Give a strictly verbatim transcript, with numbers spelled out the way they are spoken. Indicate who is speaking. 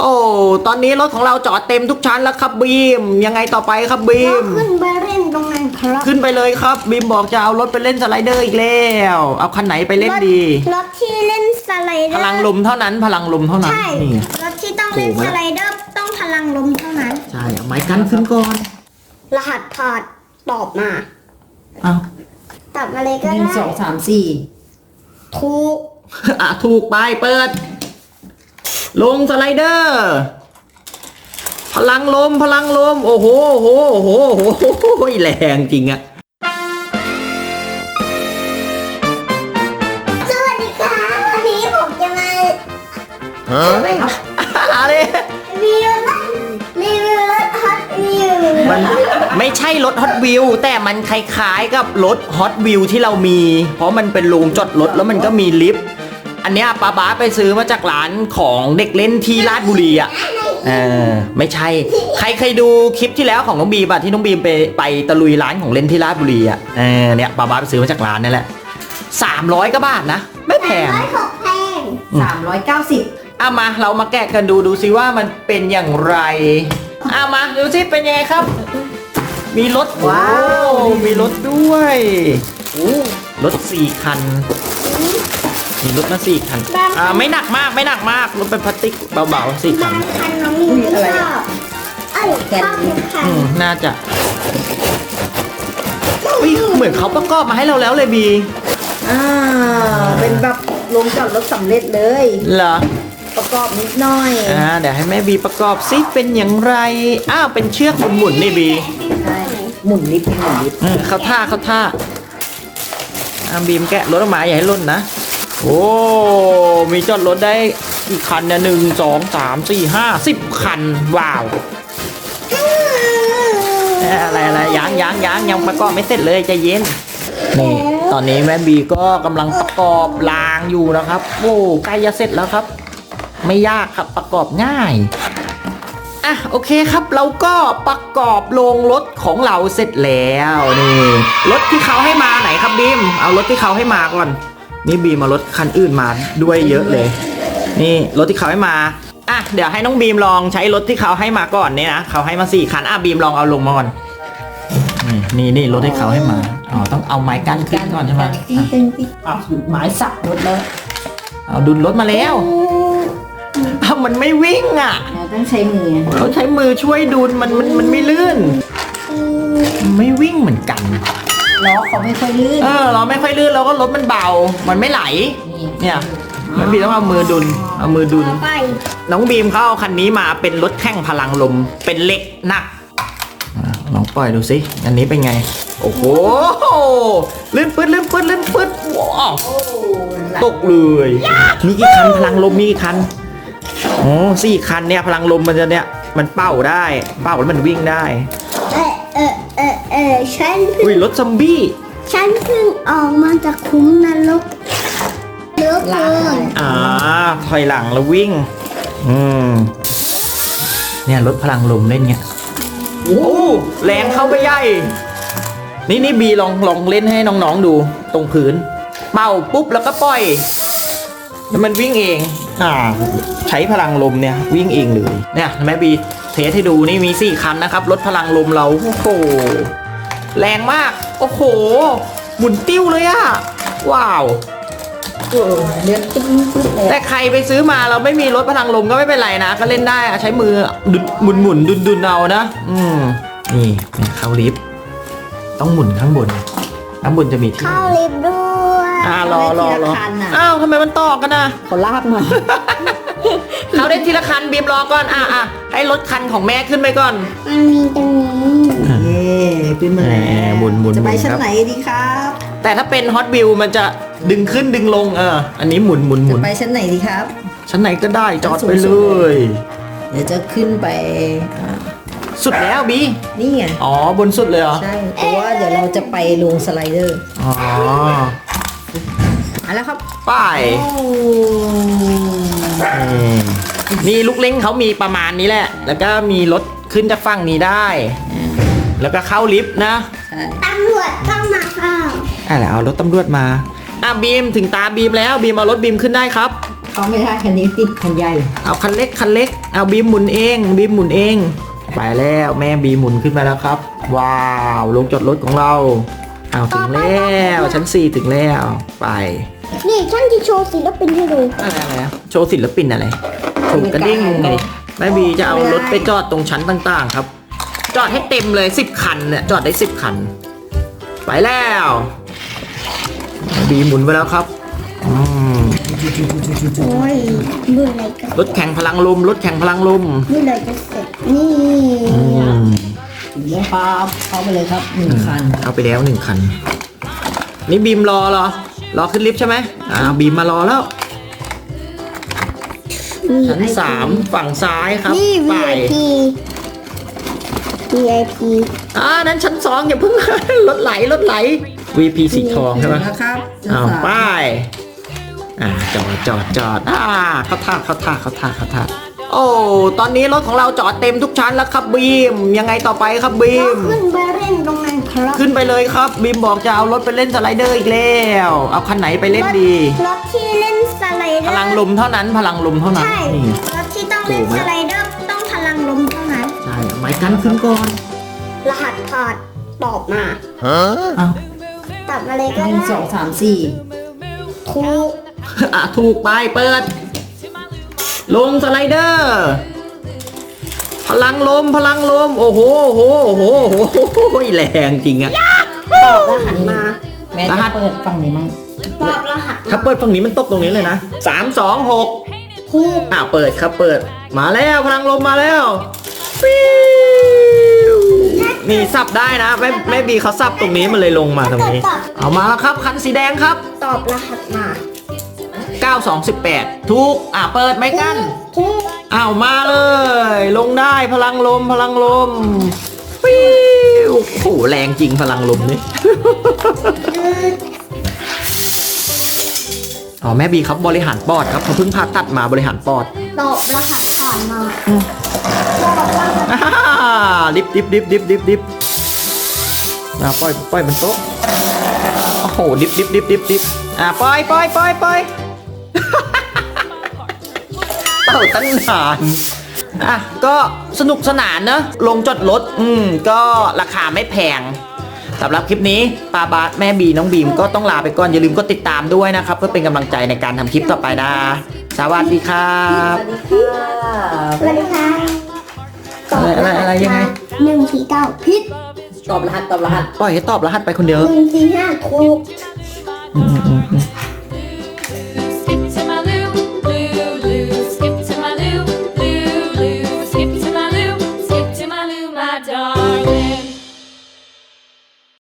Speaker 1: อ้ตอนนี้รถของเราจอดเต็มทุกชั้นแล้วครับบีมยังไงต่อไปครับบีม
Speaker 2: ขึ้นไปเล่นตรงนั้นครับ
Speaker 1: ขึ้นไปเลยครับบีมบอกจะเอารถไปเล่นสไลเดอร์อีกแล้วเอาคันไหนไปเล่นดี
Speaker 2: รถที่เล่นสไลเดอร์
Speaker 1: พลังลมเท่านั้นพลังลมเท่านั้น
Speaker 2: ใช่รถที่ต้องเล่นสไลเดอร์ต้องพลังลมเท่านั้น
Speaker 1: ใช่เอาไม้กันขึ้นก่อน
Speaker 2: รหัสผ่านตอบมา
Speaker 1: เอา
Speaker 2: ตอบมาเลยก็ได้
Speaker 3: หนึ่งสองสามสี่
Speaker 2: ถูก
Speaker 1: อ่ะถูกไปเปิดลงสไลเดอร์พลังลมพลังลมโอ้โหโอ้โหโอ้โหโอ้โหแรงจริงอะ
Speaker 2: สวัสดีค่ะวันนี้ผมจะมา
Speaker 1: อะไรครับอะไร
Speaker 2: รีวิวรถรีวิวรถฮอตวิว
Speaker 1: มันไม่ใช่รถฮอตวิวแต่มันคล้ายๆกับรถฮอตวิวที่เรามีเพราะมันเป็นโรงจอดรถแล้วมันก็มีลิฟต์อันเนี้ยป้าบ้าไปซื้อมาจากร้านของเด็กเล่นที่ราชบุรีอ่ะเออไม่ใช่ใครเคยดูคลิปที่แล้วของน้องบีมอ่ะที่น้องบีมไปไปตะลุยร้านของเล่นที่ราชบุรีอ่ะเออเนี่ยป้าบ้าไปซื้อมาจากร้านนั่นแหละสามร้อยกว่าบาทนะไม่แพง
Speaker 2: แพง
Speaker 3: สามร้อยเก้าสิบ
Speaker 1: เอามาเรามาแกะกันดูดูซิว่ามันเป็นอย่างไรเอามาดูซิเป็นยังไงครับมีรถว้าวมีรถด้วยรถสี่คันมีรถมาสี่คันอ่าไม่หนักมากไม่หนักมากรถเป็นพลาสติกเบาๆสี่คัน
Speaker 2: คันน้องมีไม่ชอบเอ้ยชอบทุกคัน
Speaker 1: น่าจะเหมือนเขาประกอบมาให้เราแล้วเลยบี
Speaker 3: อ่าเป็นแบบลงจอดรถสำเร็จเลย
Speaker 1: เหรอ
Speaker 3: ประกอบนิดหน่อย
Speaker 1: อ่าเดี๋ยวให้แม่บีประกอบซิเป็นอย่างไรอ้าวเป็นเชือกหมุนๆนี่บี
Speaker 3: ใช่หมุนนิดหมุนนิด
Speaker 1: เขาท่าเขาท่าอ่าบีมแกะรถออกมาอย่าให้ล่นนะโอ้มีจอดรถได้กี่คันเนี่ยหนึ่งสองสามสี่ห้าสิบคันว้าวอะไรอะไรยังยังยังยังประกอบไม่เสร็จเลยใจเย็นนี่ตอนนี้แม่บีก็กำลังประกอบรางอยู่นะครับโอ้ใกล้จะเสร็จแล้วครับไม่ยากครับประกอบง่ายอ่ะโอเคครับเราก็ประกอบโรงรถของเราเสร็จแล้วนี่รถที่เขาให้มาไหนครับบีมเอารถที่เขาให้มาก่อนนี่บีมมารถคันอื่นมาด้วยเยอะเลยนี่รถที่เขาให้มาอ่ะเดี๋ยวให้น้องบีมลองใช้รถที่เขาให้มาก่อนเนี่ยนะเขาให้มาสี่คันอ่ะบีมลองเอาลงมาก่อนนี่นี่รถที่เขาให้มาอ๋อต้องเอาไม้กั้นขึ้นก่อนใช่ไหม
Speaker 3: อ่ะหมายสับรถแล้ว
Speaker 1: เอาดุลรถมาแล้วอ้าวมันไม่วิ่งอ่ะ
Speaker 3: ต้องใช้มือ
Speaker 1: เขาใช้มือช่วยดุลมันมันมันไม่ลื่นไม่วิ่งเหมือนกัน
Speaker 3: ล้อเขาไม่ค่อยลื่น
Speaker 1: เออล้อไม่ค่อยลื่นแล้วก็รถมันเบามันไม่ไหลเนี่ยมันบีต้องเอามือดุลเอามือดุลน้องบีมเขาเอาคันนี้มาเป็นรถแข่งพลังลมเป็นเหล็กหนักลองปล่อยดูสิอันนี้เป็นไงโอ้โหลื่นปื๊ดลื่นปื๊ดลื่นปื๊ดว้าวตกเลยมีกี่คันพลังลมมีกี่คันโอ้สี่คันเนี่ยพลังลมมันจะเนี่ยมันเป่าได้เป่าแล้วมันวิ่งได้
Speaker 2: เออเออเออเออฉัน
Speaker 1: อุ้ยรถซอมบี้
Speaker 2: ฉันเพิ่งออกมาจากคุ้มนรกเลือกเลย
Speaker 1: อ่าถอยหลังแล้ววิ่งอืมเนี่ยรถพลังลมเล่นเงี้ยโอ้แรงเข้าไปใหญ่นี่นี่บีลองลองเล่นให้น้องๆดูตรงพื้นเป่าปุ๊บแล้วก็ปล่อยแล้วมันวิ่งเองอ่าใช้พลังลมเนี่ยวิ่งเองเลยเนี่ยแม่บีเทสให้ดูนี่มีสี่คันนะครับรถพลังลมเราโอ้โหแรงมากโอ้โหหมุนติ้วเลยอะว้าว
Speaker 3: เออเลื่อนตึ้ง
Speaker 1: แต่ใครไปซื้อมาเราไม่มีรถพลังลมก็ไม่เป็นไรนะก็เล่นได้อะใช้มือหมุนหมุนดุนดุนเอานะอืมนี่เข้าลิฟต์ต้องหมุนข้างบนข้างบนจะมีที่
Speaker 2: เข้าลิฟต์ด้วย
Speaker 1: อ่ารอรอรออ้าวทำไมมันต่อกันนะ
Speaker 3: เขาลากมา
Speaker 1: เขาได้ทีละคันบีมรอก่อนอ่ะอ่ะให้รถคันของแม่ขึ้นไปก่อน
Speaker 2: มันมีตรงนี้
Speaker 3: นี่ขึ้นมา
Speaker 1: หมุนหมุน
Speaker 3: จะไปชั้นไหนดีครับ
Speaker 1: แต่ถ้าเป็นฮอตวิวมันจะดึงขึ้นดึงลงเอออันนี้หมุนหมุนหมุน
Speaker 3: จะไปชั้นไหนดีครับ
Speaker 1: ชั้นไหนก็ได้จอดไปเลย
Speaker 3: เดี๋ยวจะขึ้นไป
Speaker 1: สุดแล้วบี
Speaker 3: นี่ไง
Speaker 1: อ๋อบนสุดเลยเหรอ
Speaker 3: ใช่เพราะว่าเดี๋ยวเราจะไปลงสไลเดอร์
Speaker 1: อ๋อ
Speaker 3: มาแล้วครับ
Speaker 1: ไปนี่ลูกเล้งเขามีประมาณนี้แหละแล้วก็มีรถขึ้นจากฝั่งนี้ได้แล้วก็เข้าลิฟต์นะ
Speaker 2: ตำรวจเข้ามาค่ะ
Speaker 1: อ่ะแล้วเอารถตำรวจมาอ่ะบีมถึงตาบีมแล้วบีมเอารถบีมขึ้นได้ครับ
Speaker 3: เขาไม่ได้คันนี้ติดคันใหญ่
Speaker 1: เอาคันเล็กคันเล็กเอาบีมหมุนเองบีมหมุนเองไปแล้วแม่บีหมุนขึ้นมาแล้วครับว้าวลงจอดรถของเราเอาถึงแล้วชั้นสี่ถึงแล้วไป
Speaker 2: นี่ฉันจะโชว์ศิลปินให้ดู
Speaker 1: อะไรอะไรอะโชว์ศิลปินอะไรถูกกระดิ่งไงแม่บีจะเอารถไปจอดตรงชั้นต่างๆครับ จอดให้เต็มเลยสิบคันเนี่ยจอดได้สิบคัน ไปแล้วแม่บีหมุนไปแล้วครับอืม
Speaker 2: โอ้ยเมื่อไหรกัน
Speaker 1: รถแข่งพลังลมรถแข่งพลังลม
Speaker 2: เมื่อไหรจะเสร็จนี่
Speaker 1: อืม
Speaker 3: เดี๋ยวพาเขาไปเลยครับหนึ่งคัน
Speaker 1: เอาไปแล้วหนึ่งคัน นี่บีมรอเหรอรอขึ้นลิฟต์ใช่ไหมอ่าบีมมารอแล้ว ชั้นสามฝั่งซ้ายครับ
Speaker 2: นี่
Speaker 1: ไป
Speaker 2: วี ไอ พี วี ไอ พี
Speaker 1: อ่านั้นชั้นสองอย่าเพิ่ง รถไหลรถไหล วี พี สีทองใช่ไหม
Speaker 3: นะครับ
Speaker 1: อ้าวไปอ่าจอดจอดจอดอ่าเข้าท่าเข้าท่าเข้าท่าเข้าท่าโอ้ตอนนี้รถของเราจอดเต็มทุกชั้นแล้วครับบีมยังไงต่อไปครับบี
Speaker 2: ก็
Speaker 1: ม
Speaker 2: ขึ้นไปเล่นตรงนั้นครับ
Speaker 1: ขึ้นไปเลยครับบีมบอกจะเอารถไปเล่นสไลเดอร์อีกแล้วเอาคันไหนไปเล่นดี
Speaker 2: รถที่เล่นสไลเดอร์
Speaker 1: พลังลมเท่านั้นพลังลมเท่านั้น
Speaker 2: ใช่
Speaker 1: นี่
Speaker 2: รถที่ต้องเล่นสไลเดอร์ต้องพลังลมเท่านั้น
Speaker 1: ใช่เอาไม้กันขึ้นก่อน
Speaker 2: รหัสผ่านตอบมา
Speaker 1: อ้าว
Speaker 2: ตอบมาเลยก็
Speaker 3: หนึ่ง
Speaker 2: ได้
Speaker 3: สองสามสี่
Speaker 2: ถูก
Speaker 1: อ่ะถูกไปเปิด ลงสไลเดอร์ พลังลมพลังลม โอ้โหโอ้โหโอ้โหโอ้โหแรงจริงอะ
Speaker 2: ตอบรหัสมา
Speaker 3: แม่
Speaker 1: รหั
Speaker 3: จะ
Speaker 1: ส
Speaker 3: เปิดฝั่งนี้มั้ง
Speaker 2: ตอบรหัส
Speaker 1: ถ้าเปิดฝั่งนี้มันตกตรงนี้เลยนะสามสองหก
Speaker 2: ถูก
Speaker 1: อ่าเปิดครับเปิด มาแล้วพลังลมมาแล้วฟิวนี่สับได้นะแม่แม่บีเขาสับตรงนี้มันเลยลงมาตรงนี้ เอามาแล้วครับคันสีแดงครับ
Speaker 2: ตอบรหัสมา
Speaker 1: เก้า สอง สิบแปดถูกอ่าเปิดไม่กัน
Speaker 2: ถูก
Speaker 1: อ้าวมาเลย ลงได้พลังลมพลังลมฟิวโอ้โหแรงจริงพลังลมนี่ อ๋อแม่บีครับบริหารปอดครับเขาเพิ่งผ่าตัดมาบริหารปอด
Speaker 2: ตอบรหัสผ่านมาตอบรหัส
Speaker 1: อ่าดิบดิบดิบดิบดิบดิบอ่าปล่อยปล่อยบนโต๊ะโอ้โหดิบดิบดิบดิบดิบอ่าปล่อยปล่อยปล่อยปล่อย เต่าตั้งนานอ่ะก็สนุกสนานเนอะลงจอดรถอืมก็ราคาไม่แพงสำหรับคลิปนี้ปาบาสแม่บีน้องบีมก็ต้องลาไปก่อนอย่าลืมก็ติดตามด้วยนะครับ เพื่อเป็นกำลังใจในการทำคลิปต่อไปนะสวัสดีครับ
Speaker 3: สวัสดีค่ะ
Speaker 2: สวัสดีค่ะ
Speaker 1: อะไรอะไรอะไรยังไง
Speaker 2: หนึ่งสี่เก้าพิษ
Speaker 3: ตอบรหัสตอบรหัส
Speaker 1: ปล่อยให้ตอบรหัสไปคนเดียว
Speaker 2: หนึ่งสี่ห้าถูก
Speaker 1: อืมอืมอืม